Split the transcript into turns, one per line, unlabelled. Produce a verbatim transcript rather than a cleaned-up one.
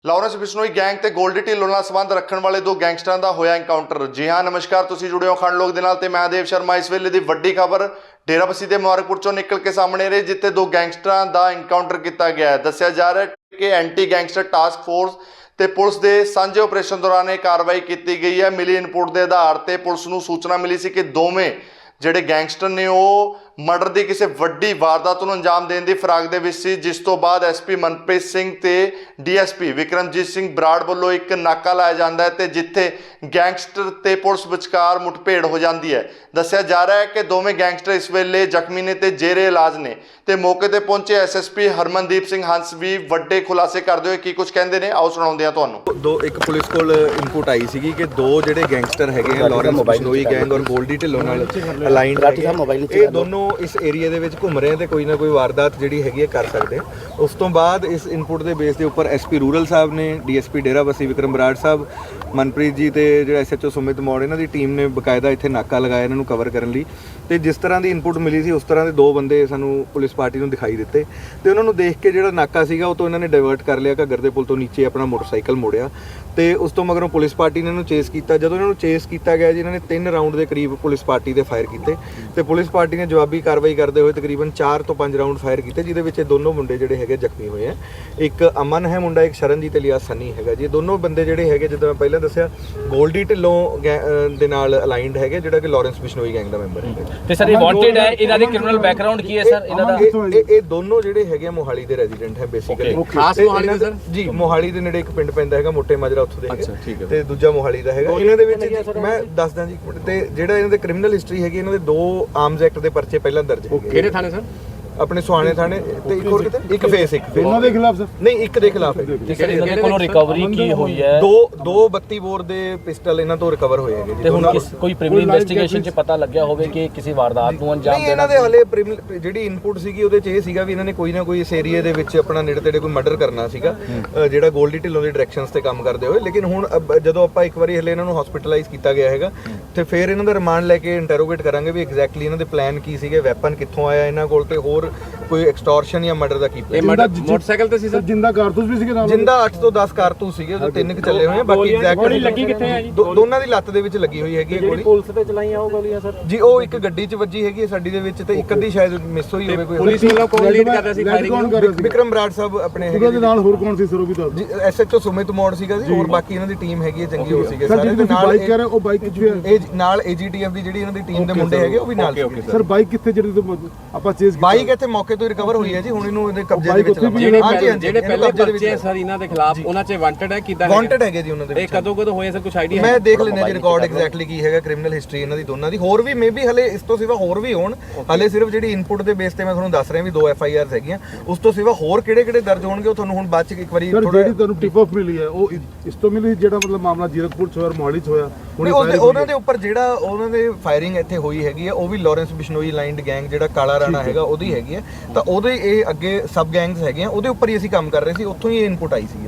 ਲੌਰੈਂਸ Bishnoi gang ਤੇ ਗੋਲਡੀ ਢਿੱਲੋਂ ਨਾਲ ਸੰਬੰਧ ਰੱਖਣ ਵਾਲੇ ਦੋ ਗੈਂਗਸਟਰਾਂ ਦਾ ਹੋਇਆ ਐਨਕਾਊਂਟਰ। ਜੀ ਹਾਂ, ਨਮਸਕਾਰ, ਤੁਸੀਂ ਜੁੜੇ ਹੋ ਖੰਡ ਲੋਕ ਦੇ ਨਾਲ ਤੇ ਮੈਂ ਦੇਵ ਸ਼ਰਮਾ। ਇਸ ਵੇਲੇ ਦੀ ਵੱਡੀ ਖਬਰ ਡੇਰਾਬੱਸੀ ਦੇ ਮੁਬਾਰਕਪੁਰ ਚੋਂ ਨਿਕਲ ਕੇ ਸਾਹਮਣੇ ਰਹੀ, ਜਿੱਥੇ ਦੋ ਗੈਂਗਸਟਰਾਂ ਦਾ ਐਨਕਾਊਂਟਰ ਕੀਤਾ ਗਿਆ ਹੈ। ਦੱਸਿਆ ਜਾ ਰਿਹਾ ਹੈ ਕਿ ਐਂਟੀ ਗੈਂਗਸਟਰ ਟਾਸਕ ਫੋਰਸ ਤੇ ਪੁਲਿਸ ਦੇ ਸਾਂਝੇ ਆਪਰੇਸ਼ਨ ਦੌਰਾਨ ਇਹ ਕਾਰਵਾਈ ਕੀਤੀ ਗਈ ਹੈ। ਮਿਲੀ ਇਨਪੁਟ ਦੇ ਆਧਾਰ ਤੇ ਪੁਲਿਸ ਨੂੰ ਸੂਚਨਾ ਮਿਲੀ ਸੀ ਕਿ ਦੋਵੇਂ ਜਿਹੜੇ ਗੈਂਗਸਟਰ ਨੇ ਉਹ ਮਰਡਰ ਦੀ ਕਿਸੇ ਵੱਡੀ ਵਾਰਦਾਤ ਨੂੰ ਅੰਜਾਮ ਦੇਣ ਦੀ ਫਿਰਾਕ ਦੇ ਵਿੱਚ ਸੀ, ਜਿਸ ਤੋਂ ਬਾਅਦ ਐਸਪੀ ਮਨਪ੍ਰੀਤ ਸਿੰਘ ਤੇ ਡੀਐਸਪੀ ਵਿਕਰਮਜੀਤ ਸਿੰਘ ਬਰਾੜ ਵੱਲੋਂ ਇੱਕ ਨਾਕਾ ਲਾਇਆ ਜਾਂਦਾ ਹੈ ਤੇ ਜਿੱਥੇ ਗੈਂਗਸਟਰ ਤੇ ਪੁਲਿਸ ਵਿਚਕਾਰ ਮੁੱਠਭੇੜ ਹੋ ਜਾਂਦੀ ਹੈ। ਦੱਸਿਆ ਜਾ ਰਿਹਾ ਹੈ ਕਿ ਦੋਵੇਂ ਗੈਂਗਸਟਰ ਇਸ ਵੇਲੇ ਜ਼ਖਮੀ ਨੇ ਤੇ ਜੇਰੇ ਇਲਾਜ ਨੇ ਤੇ ਮੌਕੇ ਤੇ ਪਹੁੰਚੇ ਐਸਐਸਪੀ ਹਰਮਨਦੀਪ ਸਿੰਘ ਹੰਸ ਵੀ ਵੱਡੇ ਖੁਲਾਸੇ ਕਰਦੇ ਹੋਏ ਕੀ ਕੁਝ ਕਹਿੰਦੇ ਨੇ, ਆਓ ਸੁਣਾਉਂਦੇ ਹਾਂ ਤੁਹਾਨੂੰ।
ਦੋ ਇੱਕ ਪੁਲਿਸ ਕੋਲ ਇਨਪੁਟ ਆਈ ਸੀਗੀ ਕਿ ਦੋ ਜਿਹੜੇ ਗੈਂਗਸਟਰ ਹੈਗੇ ਆ ਲੌਰੈਂਸ ਬਿਸ਼ਨੋਈ ਗੈਂਗ ਔਰ ਗੋਲਡੀ ਢਿੱਲੋਂ ਨਾਲ ਅਲਾਈਨਡ ਇਹ ਦੋਨੋਂ ਇਸ ਏਰੀਆ ਦੇ ਵਿੱਚ ਘੁੰਮ ਰਹੇ ਤੇ ਕੋਈ ਨਾ ਕੋਈ ਵਾਰਦਾਤ ਜਿਹੜੀ ਹੈਗੀ ਹੈ ਕਰ ਸਕਦੇ ਆ। ਉਸ ਤੋਂ ਬਾਅਦ ਇਸ ਇਨਪੁਟ ਦੇ ਬੇਸ ਦੇ ਉੱਪਰ ਐਸਪੀ ਰੂਰਲ ਸਾਹਿਬ ਨੇ, ਡੀਐਸਪੀ ਡੇਰਾਬੱਸੀ ਵਿਕਰਮ ਬਰਾੜ ਸਾਹਿਬ, ਮਨਪ੍ਰੀਤ ਜੀ ਤੇ ਜਿਹੜਾ ਐਸਐਚਓ ਸੁਮਿਤ ਮੌੜ, ਇਹਨਾਂ ਦੀ ਟੀਮ ਨੇ ਬਕਾਇਦਾ ਇੱਥੇ ਨਾਕਾ ਲਗਾਇਆ ਇਹਨਾਂ ਨੂੰ ਕਵਰ ਕਰਨ ਲਈ। ਤੇ ਜਿਸ ਤਰ੍ਹਾਂ ਦੀ ਇਨਪੁਟ ਮਿਲੀ ਸੀ ਉਸ ਤਰ੍ਹਾਂ ਦੇ ਦੋ ਬੰਦੇ ਸਾਨੂੰ ਪੁਲਿਸ ਪਾਰਟੀ ਨੂੰ ਦਿਖਾਈ ਦਿੱਤੇ ਤੇ ਉਹਨਾਂ ਨੂੰ ਦੇਖ ਕੇ ਜਿਹੜਾ ਨਾਕਾ ਸੀਗਾ ਉਹ ਤੋਂ ਇਹਨਾਂ ਨੇ ਡਾਇਵਰਟ ਕਰ ਲਿਆ, ਘੱਗਰ ਦੇ ਪੁਲ ਤੋਂ ਨੀਚੇ ਆਪਣਾ ਮੋਟਰਸਾਈਕਲ ਮੋੜਿਆ ਤੇ ਉਸ ਤੋਂ ਮਗਰੋਂ ਪੁਲਿਸ ਪਾਰਟੀ ਨੇ ਇਹਨੂੰ ਚੇਸ ਕੀਤਾ। ਜਦੋਂ ਇਹਨਾਂ ਨੂੰ ਚੇਸ ਕੀਤਾ ਗਿਆ ਜੀ, ਇਹਨਾਂ ਨੇ ਤਿੰਨ ਰਾਊਂਡ ਦੇ ਕਰੀਬ ਪੁਲਿਸ ਪਾਰਟੀ ਦੇ ਫਾਇਰ ਕੀਤੇ ਤੇ ਪੁਲਿਸ ਪਾਰਟੀ ਨੇ ਜਵਾਬੀ ਕਾਰਵਾਈ ਕਰਦੇ ਹੋਏ ਤਕਰੀਬਨ ਚਾਰ ਤੋਂ ਪੰਜ ਰਾਊਂਡ ਫਾਇਰ ਕੀਤੇ, ਜਿਹਦੇ ਵਿੱਚ ਇਹ ਦੋਨੋਂ ਮੁੰਡੇ ਜਿਹੜੇ ਹੈਗੇ ਜ਼ਖਮੀ ਹੋਏ ਆ। ਇੱਕ ਅਮਨ ਹੈ ਮੁੰਡਾ, ਇੱਕ ਸ਼ਰਨਜੀਤ ਇਲੀਆਸ ਸੰਨੀ ਹੈਗਾ ਜੀ। ਇਹ ਦੋਨੋਂ ਬੰਦੇ ਜਿਹੜੇ ਹੈਗੇ, ਜਿੱਦਾਂ ਮੈਂ ਪਹਿਲਾਂ ਦੱਸਿਆ, ਗੋਲਡੀ ਢਿੱਲੋਂ ਦੇ ਨਾਲ ਅਲਾਈਨਡ ਹੈਗੇ, ਜਿਹੜਾ ਕਿ ਲੌਰੈਂਸ ਬਿਸ਼ਨੋਈ ਗੈਂਗ ਦਾ ਮੈਂਬਰ ਹੈ ਤੇ ਸਰ ਇਹ ਵਾਂਟਡ ਹੈ। ਇਹਨਾਂ ਦੇ ਕ੍ਰਿਮੀਨਲ ਬੈਕਗ੍ਰਾਉਂਡ ਕੀ ਹੈ ਸਰ ਇਹਨਾਂ ਦਾ? ਇਹ ਇਹ ਦੋਨੋਂ ਜਿਹੜੇ ਹੈਗੇ ਮੋਹਾਲੀ ਦੇ ਰੈਜ਼ੀਡੈਂਟ ਹੈ ਬੇਸਿਕਲੀ। ਖਾਸ ਮੋਹਾਲੀ ਦੇ ਸਰ ਜੀ, ਮੋਹਾਲੀ ਦੇ ਨੇੜੇ ਇੱਕ ਪਿੰਡ ਪੈਂਦਾ ਹੈਗਾ ਮੋਟੇ ਮਾਜਰਾ, ਉੱਥੋਂ ਦੇ ਹੈਗੇ ਤੇ ਦੂਜਾ ਮੋਹਾਲੀ ਦਾ ਹੈਗਾ। ਇਹਨਾਂ ਦੇ ਵਿੱਚ ਮੈਂ ਦੱਸਦਾ ਜੀ ਤੇ ਜਿਹੜਾ ਇਹਨਾਂ ਦੇ ਕ੍ਰਿਮੀਨਲ ਹਿਸਟਰੀ ਹੈਗੀ, ਇਹਨਾਂ ਦੇ ਦੋ ਆਰਮਸ ਐਕਟ ਦੇ ਪਰਚੇ ਪਹਿਲਾਂ ਦਰਜ ਹੈਗੇ।
ਕਿਹੜੇ ਥਾਣੇ ਸਰ?
ਆਪਣੇ ਸੁਹਾਣੇ ਥਾਣੇ ਤੇ ਇੱਕ ਹੋਰ ਕਿਤੇ ਇੱਕ ਫੇਸ ਇੱਕ
ਉਹਨਾਂ ਦੇ ਖਿਲਾਫ ਸਰ
ਨਹੀਂ ਇੱਕ ਦੇ ਖਿਲਾਫ ਹੈ।
ਇਹਨਾਂ ਦੇ ਕੋਲੋਂ ਰਿਕਵਰੀ ਕੀ ਹੋਈ ਹੈ?
ਦੋ ਦੋ ਬੱਤੀ ਬੋਰ ਦੇ ਪਿਸਟਲ ਇਹਨਾਂ ਤੋਂ ਰਿਕਵਰ ਹੋਏ ਹੈਗੇ ਜੀ।
ਤੇ ਹੁਣ ਕੋਈ ਪ੍ਰੀਲਿਮਿਨਰੀ ਇਨਵੈਸਟੀਗੇਸ਼ਨ 'ਚ ਪਤਾ ਲੱਗਿਆ ਹੋਵੇ ਕਿ ਕਿਸੇ ਵਾਰਦਾਤ ਨੂੰ ਅੰਜਾਮ
ਦੇਣਾ? ਇਹਨਾਂ ਦੇ ਹਲੇ ਜਿਹੜੀ ਇਨਪੁਟ ਸੀਗੀ ਉਹਦੇ 'ਚ ਇਹ ਸੀਗਾ ਵੀ ਇਹਨਾਂ ਨੇ ਕੋਈ ਨਾ ਕੋਈ ਇਸ ਏਰੀਆ ਦੇ ਵਿੱਚ ਆਪਣਾ ਨੇੜੇ ਤੇੜੇ ਕੋਈ ਮਰਡਰ ਕਰਨਾ ਸੀਗਾ, ਜਿਹੜਾ ਗੋਲਡੀ ਢਿੱਲੋਂ ਦੀ ਡਾਇਰੈਕਸ਼ਨਸ ਤੇ ਕੰਮ ਕਰਦੇ ਹੋਏ। ਲੇਕਿਨ ਹੁਣ ਜਦੋਂ ਆਪਾਂ ਇੱਕ ਵਾਰੀ ਹਲੇ ਇਹਨਾਂ ਨੂੰ ਹਸਪੀਟਲਾਈਜ਼ ਕੀਤਾ ਗਿਆ ਹੈਗਾ ਤੇ ਫਿਰ ਇਹਨਾਂ ਦਾ ਰਿਮਾਂਡ ਲੈ ਕੇ ਇੰਟਰੋਗੇਟ ਕਰਾਂਗੇ ਵੀ ਐਗਜ਼ੈਕਟਲੀ ਇਹਨਾਂ ਦੇ ਪਲਾਨ ਕੀ ਸੀਗੇ, ਵੈਪਨ ਕਿੱਥੋਂ ਆਇਆ ਇਹਨਾਂ ਕੋਲ ਤੇ ਹੋਰ ਕੋਈ ਐਕਸਟੋਰਸ਼ਨ ਜਾਂ ਮਰਡਰ ਦਾ ਕੀ ਪਲਾਨ।
ਮੋਟਰਸਾਈਕਲ ਤੇ ਸੀ ਸਰ? ਜਿੰਦਾ ਕਾਰਤੂਸ ਵੀ ਸੀਗੇ ਨਾਲ?
ਜਿੰਦਾ ਅੱਠ ਤੋਂ ਦਸ ਕਾਰਤੂਸ ਸੀਗੇ, ਉਹਦੇ ਤਿੰਨ ਕਿ ਚੱਲੇ ਹੋਏ ਆ। ਬਾਕੀ ਐਗਜ਼ੈਕਟ
ਗੋਲੀ ਲੱਗੀ ਕਿੱਥੇ ਹੈ ਜੀ?
ਦੋਨਾਂ ਦੀ ਲੱਤ ਦੇ ਵਿੱਚ ਲੱਗੀ ਹੋਈ ਹੈਗੀ ਗੋਲੀ।
ਪੁਲਿਸ ਤੇ ਚਲਾਈਆਂ ਉਹ ਗੋਲੀਆਂ ਸਰ ਜੀ? ਉਹ ਇੱਕ
ਗੱਡੀ 'ਚ ਵੱਜੀ ਹੈਗੀ ਸਾਡੀ ਦੇ ਵਿੱਚ ਤੇ ਇੱਕ ਅੱਧੀ ਸ਼ਾਇਦ ਮਿਸ ਹੋਈ ਹੋਵੇ। ਕੋਈ
ਪੁਲਿਸ ਵੱਲੋਂ ਕੌਣ ਲੀਡ ਕਰਦਾ ਸੀ ਫਾਇਰਿੰਗ?
ਵਿਕਰਮ ਬਰਾੜ ਸਾਹਿਬ ਆਪਣੇ ਹੈਗੇ।
ਉਹਦੇ ਨਾਲ ਹੋਰ ਕੌਣ ਸੀ ਸਰ ਉਹ ਵੀ ਦੱਸ?
ਜੀ ਐਸਐਚਓ ਸੁਮਿਤ ਮੌੜ ਸੀਗਾ ਜੀ, ਹੋਰ ਬਾਕੀ ਇਹਨਾਂ ਦੀ ਟੀਮ ਹੈਗੀ ਹੈ ਚੰਗੀ ਹੋ ਸੀਗੇ
ਸਾਰੇ। ਤੇ ਨਾਲ ਬਾਈਕ ਕਰ ਰਹੇ ਉਹ ਬਾਈਕ ਕਿੱਥੇ ਹੈ?
ਇਹ ਨਾਲ ਏਜੀਟੀਐਫ ਦੀ ਜਿਹੜੀ ਇਹਨਾਂ ਦੀ ਟੀਮ ਦੇ ਮੁੰਡੇ ਹੈਗੇ ਉਹ ਵੀ ਨਾਲ ਸੀ
ਸਰ। ਬਾਈਕ ਕਿੱਥੇ ਜਿਹੜੀ ਆਪਾਂ ਚੇਸ ਕੀਤੀ?
ਬਾਈਕ ਇੱਥੇ ਮੌਕੇ ਤੋਂ ਰਿਕਵਰ ਹੋਈ ਹੈ ਜੀ, ਹੁਣ ਇਹਨੂੰ ਇਹਦੇ ਕਬਜ਼ੇ ਦੇ ਵਿੱਚ
ਜਿਹੜੇ ਪਹਿਲੇ ਪਰਚੇ ਸਰ ਇਹਨਾਂ ਦੇ ਖਿਲਾਫ ਉਹਨਾਂ 'ਚ ਵਾਂਟਡ ਹੈ ਕਿਦਾਂ?
ਵਾਂਟਡ ਹੈਗੇ ਜੀ ਉਹਨਾਂ ਦੇ।
ਇਹ ਕਦੋਂ ਕਦੋਂ ਹੋਏ ਸਰ ਕੁਝ ਆਈਡੀਆ?
ਮੈਂ ਦੇਖ ਲੈਣਾ ਜੀ ਰਿਕਾਰਡ ਐਗਜ਼ੈਕਟਲੀ ਕੀ ਹੈਗਾ, ਕ੍ਰਿਮੀਨਲ ਹਿਸਟਰੀ ਇਹਨਾਂ ਦੀ ਦੋਨਾਂ ਦੀ। ਹੋਰ ਵੀ ਮੇਬੀ ਹਲੇ ਇਸ ਤੋਂ ਸਿਵਾ ਹੋਰ ਵੀ ਹੋਣ। ਹਲੇ ਸਿਰਫ ਜਿਹੜੀ ਇਨਪੁਟ ਦੇ ਬੇਸ ਤੇ ਮੈਂ ਤੁਹਾਨੂੰ ਦੱਸ ਰਿਹਾ ਵੀ ਦੋ ਐਫ ਆਈ ਆਰਸ ਹੈਗੀਆਂ। ਉਸ ਤੋਂ ਸਿਵਾ ਹੋਰ ਕਿਹੜੇ ਕਿਹੜੇ ਦਰਜ ਹੋਣਗੇ ਉਹ ਤੁਹਾਨੂੰ ਹੁਣ ਬਾਅਦ 'ਚ ਇੱਕ ਵਾਰੀ
ਥੋੜਾ। ਜਿਹੜੀ ਤੁਹਾਨੂੰ ਟਿਪ ਆਫ ਮਿਲੀ ਹੈ ਉਹ ਇਸ ਤੋਂ ਮਿਲੀ, ਜਿਹੜਾ ਮਤਲਬ ਮਾਮਲਾ ਜੀਰਕਪੁਰ 'ਚ ਹੋਇਆ, ਮੋਹਾਲੀ 'ਚ ਹੋਇਆ,
ਉਹਨਾਂ ਦੇ ਉੱਪਰ ਜਿਹੜਾ ਉਹਨਾਂ ਦੇ ਫਾਇਰਿੰਗ ਇੱਥੇ ਹੋਈ ਹੈਗੀ ਹੈ ਉਹ ਵੀ ਲੌਰੈਂਸ ਬਿਸ਼ਨੋਈ ਲਾਈਨਡ ਗੈਂਗ ਜਿਹੜਾ ਕਾਲਾ ਰਾਣਾ ਹੈਗਾ ਉਹਦੀ ਹੈਗੀ ਹੈ। ਤਾਂ ਉਹਦੇ ਇਹ ਅੱਗੇ ਸਬ ਗੈਂਗਸ ਹੈਗੇ ਆ, ਉਹਦੇ ਉੱਪਰ ਹੀ ਅਸੀਂ ਕੰਮ ਕਰ ਰਹੇ ਸੀ, ਉੱਥੋਂ ਹੀ ਇਹ ਇਨਪੁਟ ਆਈ ਸੀ।